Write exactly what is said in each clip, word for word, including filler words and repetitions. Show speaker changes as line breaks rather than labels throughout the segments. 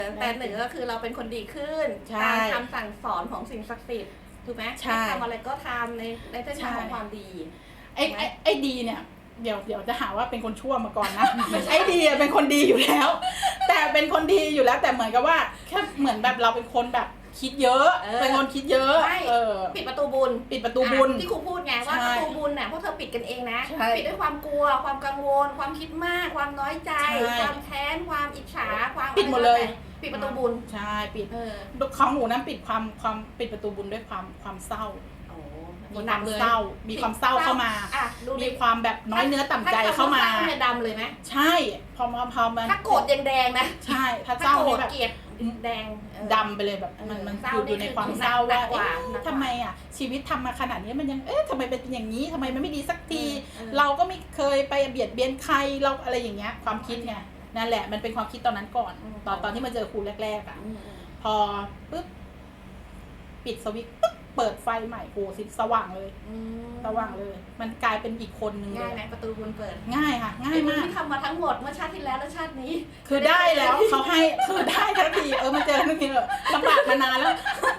แต่หนึ่งก็คือเราเป็นคนดีขึ้นตามคำสั่งสอนของสิ่งศักดิ์สิทธิ์ถูกไหมใช่ทำอะไรก็ทำในในเส้นทางของความดี
ไอ้ไอ้ไอ้ดีเนี่ยเดี๋ยวเดี๋ยวจะหาว่าเป็นคนชั่วมาก่อนนะไอ้ดีเป็นคนดีอยู่แล้วแต่เป็นคนดีอยู่แล้วแต่เหมือนกับว่าแค่เหมือนแบบเราเป็นคนแบบคิดเยอะเป็นคนคิดเยอะเออ
ปิดประตูบุญ
ปิดประตูบุญ
ที่ครูพูดไงว่าประตูบุญเนี่ยพวกเธอปิดกันเองนะปิดด้วยความกลัวความกังวลความคิดมากความน้อยใจความแค้นความอิจฉาความ
ปิดหมดเลย
ปิดประตูบุญ
ใช่ปิดของหนูนั้นปิดความความปิดประตูบุญด้วยความความเศร้ามีความเศร้ามีความเศร้าเข้ามามีความแบบน้อยเนื้อต่ำใจเข้ามา
ดำเลยไหม
ใช่พอมาพอมัน
ถ้าโกรธแดงๆนะ
ใช่ถ้าเศร้า
นี่แบบเกลียดแดง
ดำไปเลยแบบมันมันอยู่ในความเศร้าว่าทำไมอ่ะชีวิตทำมาขนาดนี้มันยังเอ๊ะทำไมเป็นอย่างนี้ทำไมมันไม่ดีสักทีเราก็ไม่เคยไปเบียดเบียนใครเราอะไรอย่างเงี้ยความคิดไงนั่นแหละมันเป็นความคิดตอนนั้นก่อนตอนตอนที่มาเจอครูแรกๆอ่ะพอปุ๊บปิดสวิตช์ปุ๊บเปิดไฟใหม่โหสิสว่างเลยสว่างเลยมันกลายเป็นอีกคนนึงเลย
ง่ายไหมประตูบุญเปิด
ง่ายค่ะง่ายมาก
ที่ทำมาทั้งหมดเมื่อชาติที่แล้วและชาตินี้
คือได้แล้วเขาให้คือได้ทันทีเออมาเจอทันทีเลยลำบากมานานแล้ว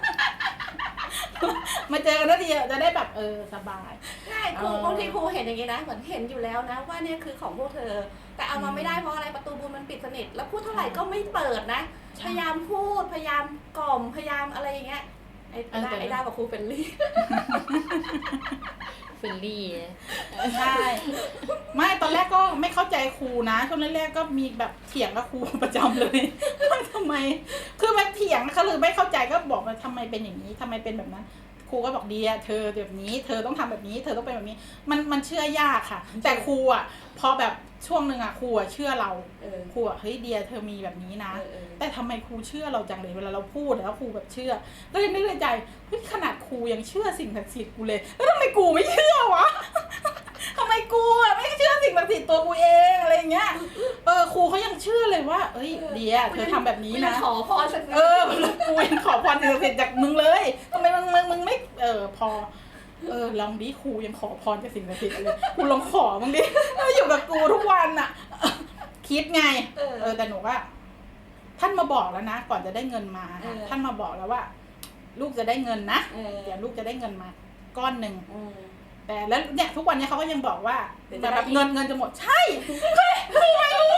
มาเจอกันทันทีจะได้แบบเออสบาย
ง่ายครูบางทีครูเห็นอย่างนี้นะเหมือนเห็นอยู่แล้วนะว่าเนี่ยคือของพวกเธอแต่เอามาไม่ได้เพราะอะไรประตูบุญมันปิดสนิทแล้วพูดเท่าไหร่ก็ไม่เปิดนะพยายามพูดพยายามกล่อมพยายามอะไรอย่างเงี้ยไอ้ได้ไอ้ได้กับครูเฟลลี่
เฟลลี่
ใช่ไม่ตอนแรกก็ไม่เข้าใจครูนะช่วงแรกๆก็มีแบบเถียงกับครูประจำเลยว่าทำไมคือแบบเถียงเขาหรือไม่เข้าใจก็บอกว่าทำไมเป็นอย่างนี้ทำไมเป็นแบบนั้นครูก็บอกเดียเธอแบบนี้เธอต้องทำแบบนี้เธอต้องเป็นแบบนี้มันมันเชื่อยากค่ะแต่ครูอ่ะพอแบบช่วงหนึ่งอ่ะครูอ่ะเชื่อเราครูอ่ะเฮ้ยเดียเธอมีแบบนี้นะแต่ทำไมครูเชื่อเราจังเลยเวลาเราพูดแล้วครูแบบเชื่อก็เลยนึกในใจเฮ้ยขนาดครูยังเชื่อสิ่งศักดิ์สิทธิ์กูเลยแล้วทำไมกูไม่เชื่อวะทำไมกูอ่ะไม่เชื่อสิ่งศักดิ์สิทธิ์ตัวกูเองอะไรเงี้ยเออครูเขายังเชื่อเลยว่าเอ้ยเดียเธอทำแบบนี้นะ
ขอพร
เออกูยังขอพรสิ่งศักดิ์สิทธิ์จากมึงเลยทำไมมึงมึงมึงไม่เออพอเออลองดิครูยังขอพรจากสิ่งศักดิ์สิทธิ์เลยกูลองขอมึงดิอยู่กับกูทุกวันอ่ะคิดไงเออแต่หนูว่าท่านมาบอกแล้วนะก่อนจะได้เงินมาท่านมาบอกแล้วว่า ลูกจะได้เงินนะเดี๋ยวลูกจะได้เงินมาก้อนหนึ่งแต่แล้วเนี่ยทุกวันนี้เขาก็ยังบอกว่าแต่แบบเงินเงินจะหมดใช่ครูไม่รู้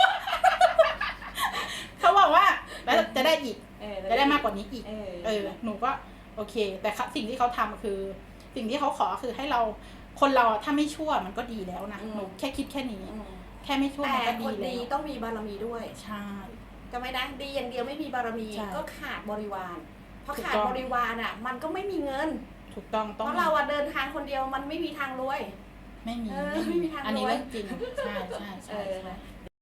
เขาบอกว่าแล้วจะได้อีกจะได้มากกว่านี้อีกเออหนูก็โอเคแต่สิ่งที่เขาทำคือสิ่งที่เขาขอคือให้เราคนเราถ้าไม่ชั่วมันก็ดีแล้วนะหนูแค่คิดแค่นี้แค่ไม่ชั่วมันก็ดีแล้ว
แต่คนดีต้องมีบารมีด้วย
ใช่
จะไม่นะดีอย่างเดียวไม่มีบารมีก็ขาดบริวารเพราะขาดบริวารอ่ะมันก็ไม่มีเงิน
ถูกต้อง
เพราะเราเดินทางคนเดียวมันไม่มีทางรวย
ไม่มี
ไม่มีทางรวย
อันนี้เรื่องจริงใช่ใช่ใช่